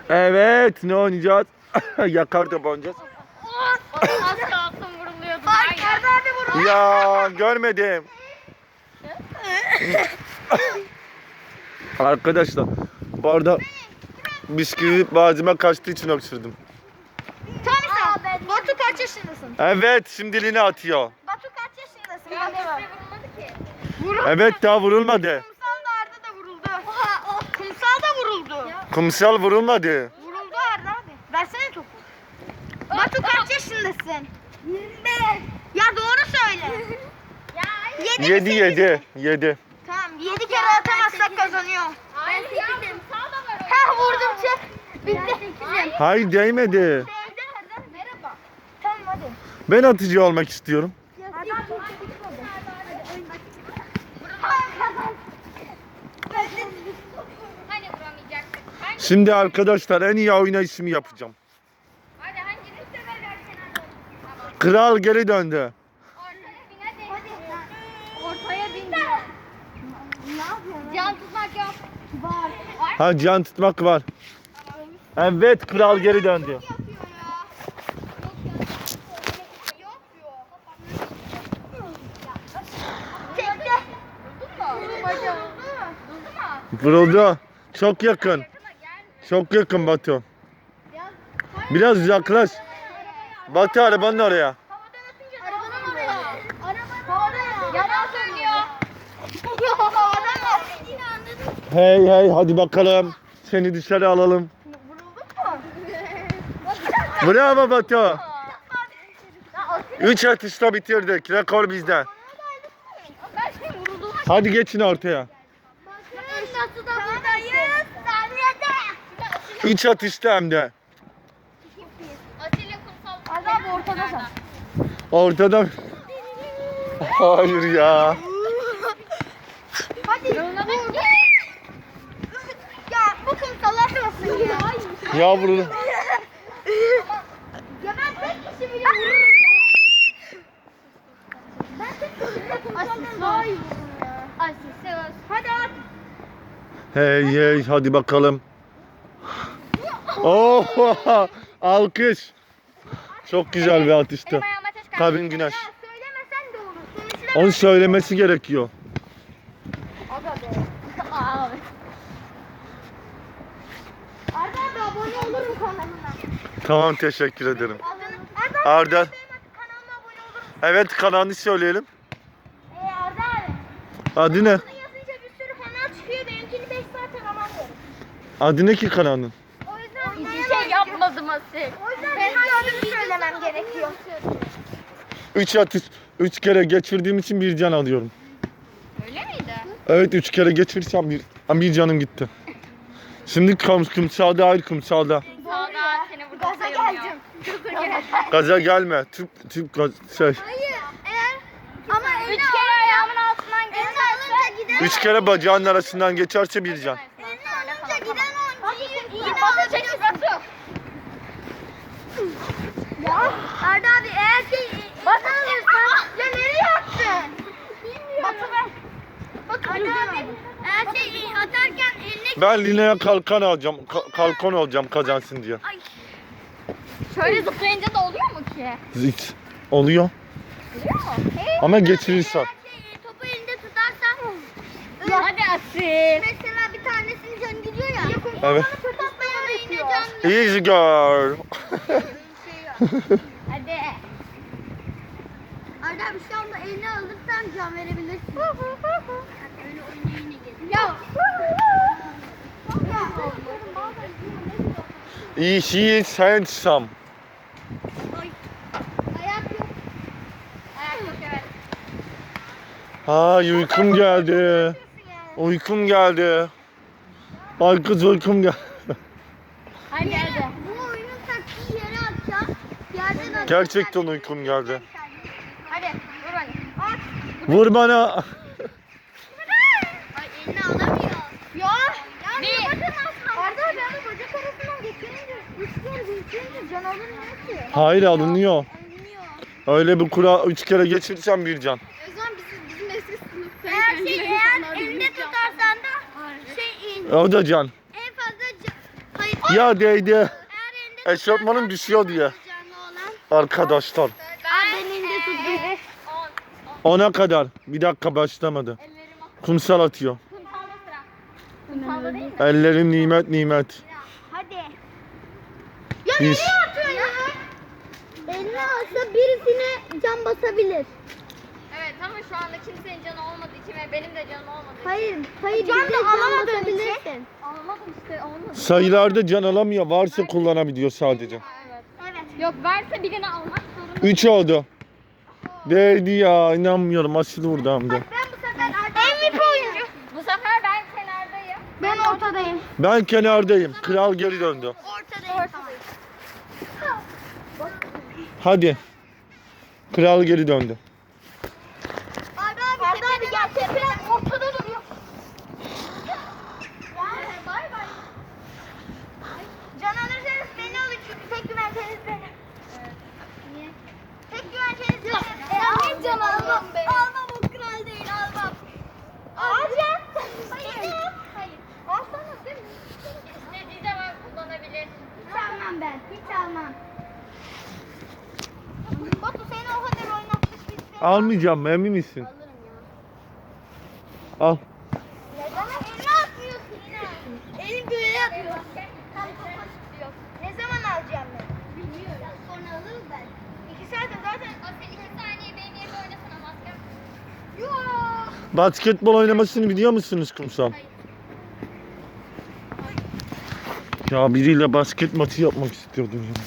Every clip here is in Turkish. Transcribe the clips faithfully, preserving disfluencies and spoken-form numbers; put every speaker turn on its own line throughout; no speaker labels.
Evet, ne oynayacağız? Yakar top oynayacağız.
Az kalsın vuruluyordum.
Hayır, Arda abi vurdu.
Ya görmedim. Arkadaşlar bu arada bisküvi boğazıma kaçtığı için öksürdüm.
Tamam sen. Batu kaç yaşındasın?
Evet, şimdiliğine atıyor.
Batu kaç yaşındasın?
Ya
Batu.
hiçbir vurulmadı ki.
Vuruldu.
Evet, daha vurulmadı.
Kumsal da Arda da vuruldu. Oha, o kumsal da vuruldu.
Kumsal vurulmadı.
Vuruldu Arda abi. Versene topu. Batu kaç yaşındasın? yirmi beş. Ya doğru söyle. Ya
Yedi yedi. Yedi.
Tamam yedi kere atamazsak kazanıyor.
Hayır ya kumsal da var orada.
Ha vurdum çık. Bitti.
Hayır, değmedi.
Merhaba. Tamam hadi.
Ben atıcı olmak istiyorum.
Hani vuramayacaktık. Hangi?
Şimdi arkadaşlar en iyi oynayışımı yapacağım.
Hadi hanginiz severlerken hadi. Tamam.
Kral geri döndü.
Ortaya bin hadi. Ortaya bin. Ne yapıyorsun? Can tutmak yok. Var. Var.
Ha, can tutmak var. Evet, kral geri döndü.
Çekti.
Vuruldu. Çok yakın. Çok yakın Batu. Biraz uzaklaş. Batu arabanın oraya.
Arabanın oraya. Arabanın yalan söylüyor.
Hey hey, hadi bakalım. Seni dışarı alalım. Bravo Batu. Üç atışta bitirdik. Rekor bizde. Hadi geçin ortaya.
Nasıl da buradayız? Saniyede.
Üç atışta hem de.
Atilla kumsal.
Arda abi ortada sen.
Ortada. Hayır ya.
Hadi. Ya bu kumsal atmasın ya.
Ya vuruldu.
Ya ben tek kişi bile vururum ya. Ben tek kişi bile kumsaldan daha iyi vururum ya.
Asist.
Hadi at.
Hey hey, hadi bakalım. Oh, alkış. Çok güzel bir atıştı.
Benim ayağıma taş kaldı.
Kabin Güneş.
Ya söylemesen de olur. Sonuçta
Onu söylemesi gerekiyor.
Aga be. Abi. Arda abi abone olur mu kanalına?
Tamam, teşekkür ederim.
Arda,
Arda.
Arda. Kanalıma abone olur musun?
Evet, kanalını söyleyelim.
Ee, Arda abi.
Adı ne?
Bunu yazınca bir sürü kanal çıkıyor. Benimkini beş saat aramıyorum.
Adı ne ki kanalın?
O yüzden
Hiçbir şey yapmadım Asil.
O yüzden benim adımı söylemem gerekiyor.
Üç atış, üç kere geçirdiğim için bir can alıyorum.
Öyle miydi?
Evet, üç kere geçirsem bir, bir canım gitti. Şimdi kum, kumsalda, hayır kumsalda.
Sağda seni burada
Gaza geldim.
Gaza gelme. Tüp, tüp gaz, şey.
Hayır. Eğer ama
Üç kere ayağımın altından geçerse.
giden
Üç kere bacağın arasından geçerse bir can.
elini alınca giden oyuncuyu
İyi bana çekil Batu.
Ya Arda abi eğer şey Batu alırsan ya nereye attın? Batu ver. Batu Arda abi eğer şey atarken eline
Ben Lina'ya kalkan alacağım. ka- kalkan olacağım kazansın diye.
Şöyle zıplayınca da oluyor mu ki?
Hiç. Oluyor.
Oluyor mu?
Ama geçirirsen.
şey, topu elinde tutarsan
Hadi Asil.
mesela bir tanesinin canı gidiyor ya.
Evet.
Toplayana yine can
Easy girl.
Hadi.
Arda abi şu anda eline alırsan can verebilirsin. Öyle oyuna yine gelir. Ya.
She is handsome.
Ayak yok.
Ayak yok evet.
Ay, uykum geldi. Uykum geldi. Ay kız, uykum geldi.
Hadi hadi.
Bu oyunun taktiği yere atacağım. Yerden atacağım.
Gerçekten uykum geldi.
Hadi vur hadi.
At.
Vur bana.
Ay elini alamıyor. Ya. Yani
Bir.
bakın aslında. Arda abi yani bacak arasından geçirince üç kere geçirince can alınmıyor ki.
Hayır, alınıyor.
Alınıyor.
Öyle bir kura üç kere geçirsem bir can.
O zaman bizim, bizim eski sınıfta. Eğer şey eğer elinde tutarsan da şey in.
O da can.
En fazla can. Hayır.
Ya değdi.
Eğer elinde
Eşofmanım düşüyor diye.
canlı olan.
Arkadaşlar.
Aa, ben elinde tuttum.
Ona kadar. Bir dakika başlamadı. Kumsal atıyor.
Kumsalda sıra. Kumsalda değil mi?
Ellerin nimet nimet.
Hadi. Ya
Biz-
nereye atıyor ya? Eline alsa birisine can basabilir.
Evet ama şu anda kimsenin canı olmadığı için ve benim de canım olmadığı için.
Hayır, hayır can bize can basabilirsin.
Almadım işte olmadı.
Sayılarda can alamıyor. Varsa kullanabiliyor sadece.
Evet.
Evet.
Yok varsa birini almak zorunda.
Üç oldu. Değdi ya. İnanmıyorum. Aşırı vurdu hem de.
Ben bu sefer M V P oyuncu.
Bu sefer ben kenardayım.
Ben ortadayım.
Ben kenardayım. Kral geri döndü.
Ortadayım.
Hadi. Kral geri döndü.
Arda abi, Arda abi gel. Tepe ortada duruyor. Bay bay. Can alırsanız beni alın çünkü tek güvenceniz benim.
Evet. Niye?
Tek güvenceniz benim. E, almam can almam. Almam o kral değil almam. Alacağım. Hayır. Hayır. Alsana değil mi?
İstediği zaman kullanabilir.
Hiç almam ben. Hiç almam. Batu seni o kadar oynatmış biz seni.
Almayacağım. Emin misin?
Alırım ya.
Al.
Neden eline atmıyorsun yine? Elim böyle atıyor. Tam kafa tutuyor. Ne zaman alacağım ben? Bilmiyorum. Sonra alırız ben. İki saat zaten.
Asıl iki saniye benim yerime oynasana maske.
Yok.
Basketbol oynamasını biliyor musunuz kumsal? Ya biriyle basket maçı yapmak istiyordum ya.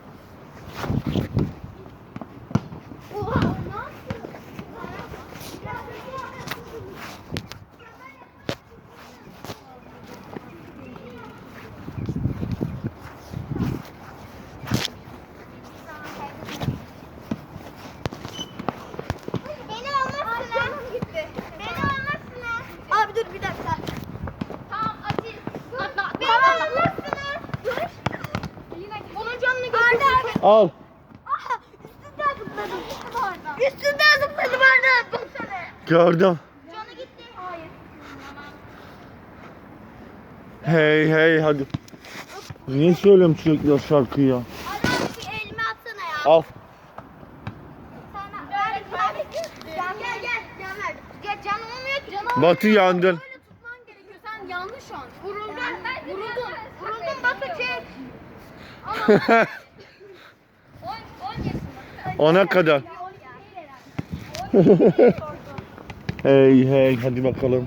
Oha. Ne yapıyorsun? Beni almazsın ha. Beni almazsın ha. Abi dur bir dakika.
Tamam Aziz. Atla atla.
Beni almazsın ha. Dur. Onun canını götürsün.
Al.
Aha üstünden zıpladım. Üstünden zıpladım Arda. Baksana.
Gördüm.
Canı gitti. Hayır.
Hey hey hadi. Niye söylüyorum sürekli o şarkıyı ya?
Arda bir elime atsana ya.
Al.
Sana ver. Can gel gel. Can ver. Gel can olmuyor ki. Can
Batı yandın.
Böyle tutman gerekiyor. Sen yanlış an. Vuruldun. Vuruldun. Vuruldun Batu çek.
on on yaşında.
Ona kadar. Hey hey hadi bakalım.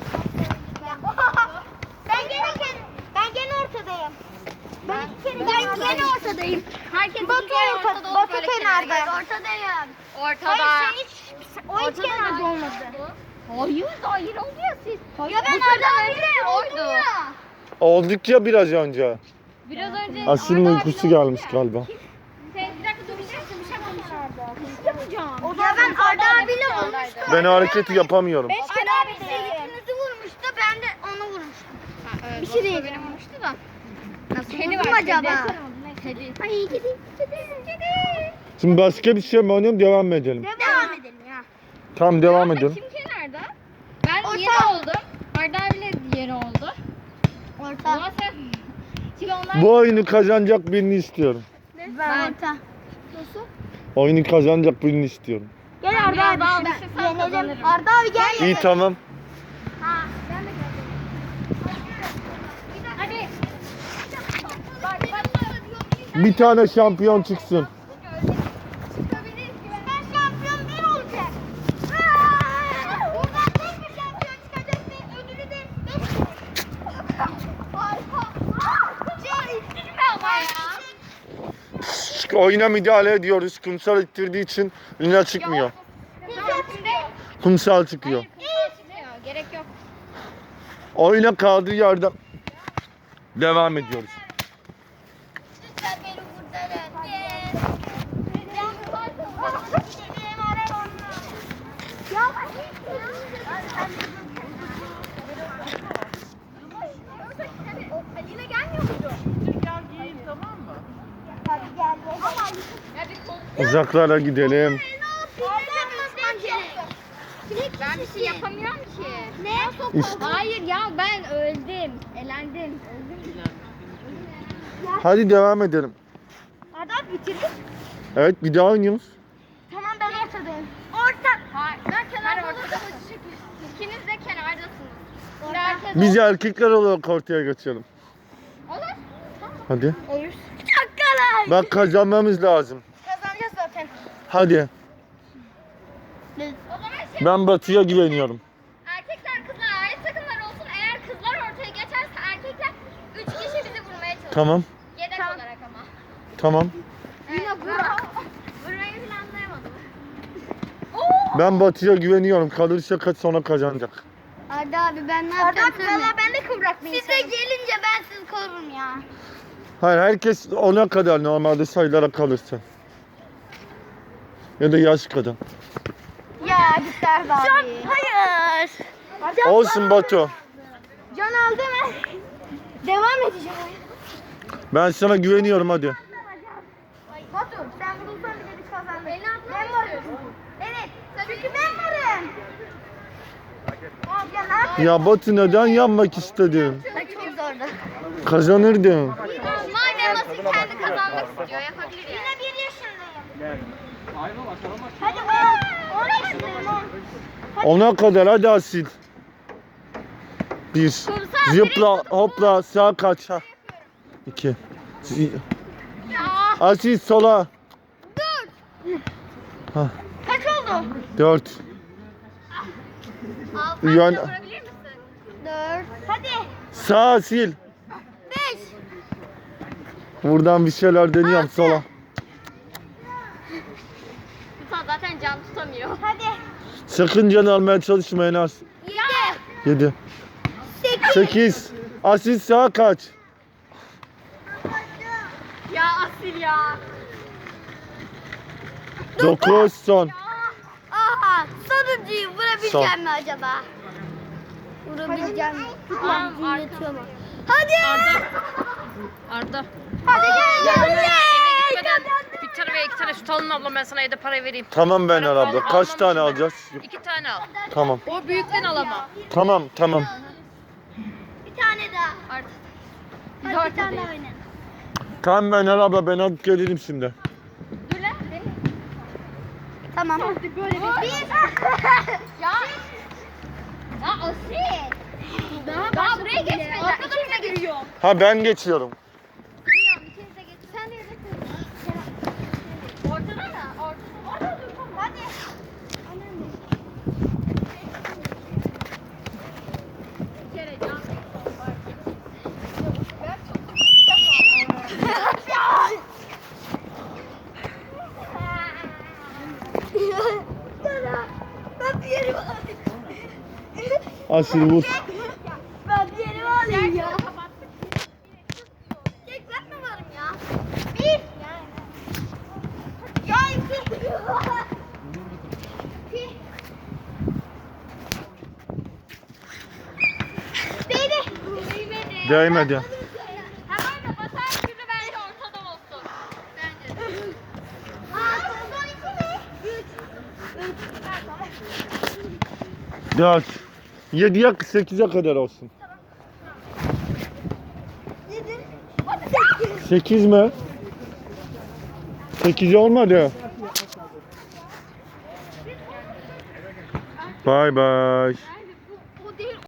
Ben gene ben gene ortadayım. Ben iki kere ben gene ortadayım.
Herkes
Batu
bir kere
ortada.
ortada olup
Batu
böyle
kenarda.
kenara
Ortadayım.
Ortada.
Hayır sen hiç o hiç
Ortada
kenarda
da
olmadı.
Hayır hayır oldu ya siz.
Ya ben Arda abiyle oldum ya.
Olduk ya biraz önce.
Biraz önce
Aşırı
Arda
uykusu
abiyle oldu
gelmiş
ya.
galiba.
Sen bir dakika dur bir şey bir şey yapacağım.
Ya ben Arda abiyle olmuştum.
Ben o hareketi yapamıyorum.
Arda abi size ikinizi vurmuştu. Ben de onu vurmuştum.
Bir şey değil. Benim vurmuştu da.
Nasıl
Kedi
vurdum
var
acaba?
Kedi. Kedi.
Ay kedi. Kedi. Kedi.
Şimdi başka bir şey mi oynayalım devam mı edelim?
Devam edelim ya.
Tamam devam edelim.
Kim kenarda? Ben
Orta.
yeri oldum. Arda abiyle yeri oldu.
Orta.
Ama sen... Şimdi onlar...
Bu oyunu kazanacak birini istiyorum.
Ben orta. Nasıl?
Oyunu kazanacak birini istiyorum.
Gel
Ben
Arda
biraz
abi.
daha
Ben
alışırsam
yenelim.
kazanırım.
Arda abi gel.
İyi tamam.
Ha, ben de geldim.
Hadi. Bak bak.
Bir tane şampiyon çıksın.
Ben şampiyon bir olacak. Aa! Buradan tek bir şampiyon çıkacak ve ödülü de beş. Harika. Aa! Şey,
İttirme ama ya.
Oyuna müdahale ediyoruz. Kumsal ittirdiği için Lina çıkmıyor.
Güzel çıkıyor.
Kumsal çıkıyor.
Hayır kumsal çıkmıyor. Gerek yok.
Oyuna kaldığı yerden devam ediyoruz.
Lütfen beni kurtarın. Yes. Benim arar onu. Ya Ali'yle gelmiyor muydu? Hadi gel. Ama
Ya bir kol...
Uzaklara gidelim.
Ben bir şey yapamıyorum ki.
Ne?
İşte.
Hayır ya ben öldüm. Elendim. Öldüm.
Hadi devam edelim.
Arda abi bitirdik.
Evet bir daha oynuyoruz.
Tamam ben ortadayım. Orta.
Hayır. Ben kenarda olursa İkiniz de kenardasınız. Şimdi herkes
Biz erkekler olarak ortaya geçelim.
olur.
Hadi.
Olur. Çakalar.
Bak kazanmamız lazım.
Kazanacağız zaten.
Hadi.
O zaman şey,
Ben Batı'ya güveniyorum.
erkekler kızlar ayrı takımlar olsun. Eğer kızlar ortaya geçerse erkekler üç kişi bizi vurmaya çalışır.
Tamam.
Yedek
Tamam.
olarak ama.
Tamam.
Yine vura. Vurmayı planlayamadım.
Ben Batı'ya güveniyorum. Kalırsa kaç sonra kazanacak.
Arda abi ben ne yapacağım? Arda abi valla ben de kıvrak bir Siz de gelince ben sizi korurum ya.
Hayır herkes ona kadar normalde sayılara kalırsa. Ya da yaş kadar.
Ya gitti Arda abi. Can, hayır.
Olsun Batu.
Can aldı mı? Devam edeceğim.
Ben sana güveniyorum hadi.
Batu sen vurulsan bile biz kazandık. Ben varım. Evet. Çünkü ben varım. Ya ne yapayım?
Ya Batu neden yanmak istedin?
Ay, çok zordu.
Kazanırdın.
Madem Asil kendi kazanmak istiyor yapabilir yani.
Yine bir yaşındayım. Hadi on. On yaşındayım on.
Ona kadar hadi Asil. Bir. Zıpla hopla sağa kaç. Ha. İki. Z-
Ya.
Asil sola. Ha.
Kaç oldu?
Dört.
Altı
Yani-
vurabilir misin?
Dört. Hadi.
Sağ Asil.
Beş.
Buradan bir şeyler deniyorum sola.
Kutsal zaten can tutamıyor.
Hadi.
Sakın can almaya çalışmayın az.
Yedi.
Yedi.
Sekiz.
Sekiz. Asil sağa kaç.
Ya Asil ya.
Dokuz son.
Aha. Sonuncuyu vurabileceğim
Son.
mi acaba? Vurabileceğim mi?
Tamam,
Tutmam dinletiyor mu? Hadi.
Arda.
Hadi gel. Hadi
Eve
gel.
gitmeden bir tane veya iki tane süt alın abla, ben sana evde para vereyim.
Tamam ben abla. Kaç tane alacağız?
İki tane al.
Tamam.
O büyükten al ama.
Tamam tamam.
Bir tane daha.
Artık.
Hadi bir tane daha oynayalım.
Tamam ben abla ben alıp gelirim şimdi.
Dur lan.
Tamam. Böyle bir.
Ya. Ya Asil. Daha, Daha buraya geçmeden. İkiniz de giriyor.
Ha ben geçiyorum.
İkiniz de geçin. Sen de yedek Ortada mı? Ortada. Ortada dur. Tamam.
Hadi.
Bir kere can.
Ben bir yerimi alayım.
Asil vur.
Ben bir yerimi alayım ya. Tek ben mi varım ya? Bir. Ya iki. İki. Değdi.
Değmedi.
Değmedi.
Hemen de batar gibi bence ortada olsun. Bence de.
Aa, son iki mi? Üç. Üç. Ha, tamam.
Dört. Yediye sekize kadar olsun.
Yedi.
Sekiz mi? Sekiz olmadı. Bay bay.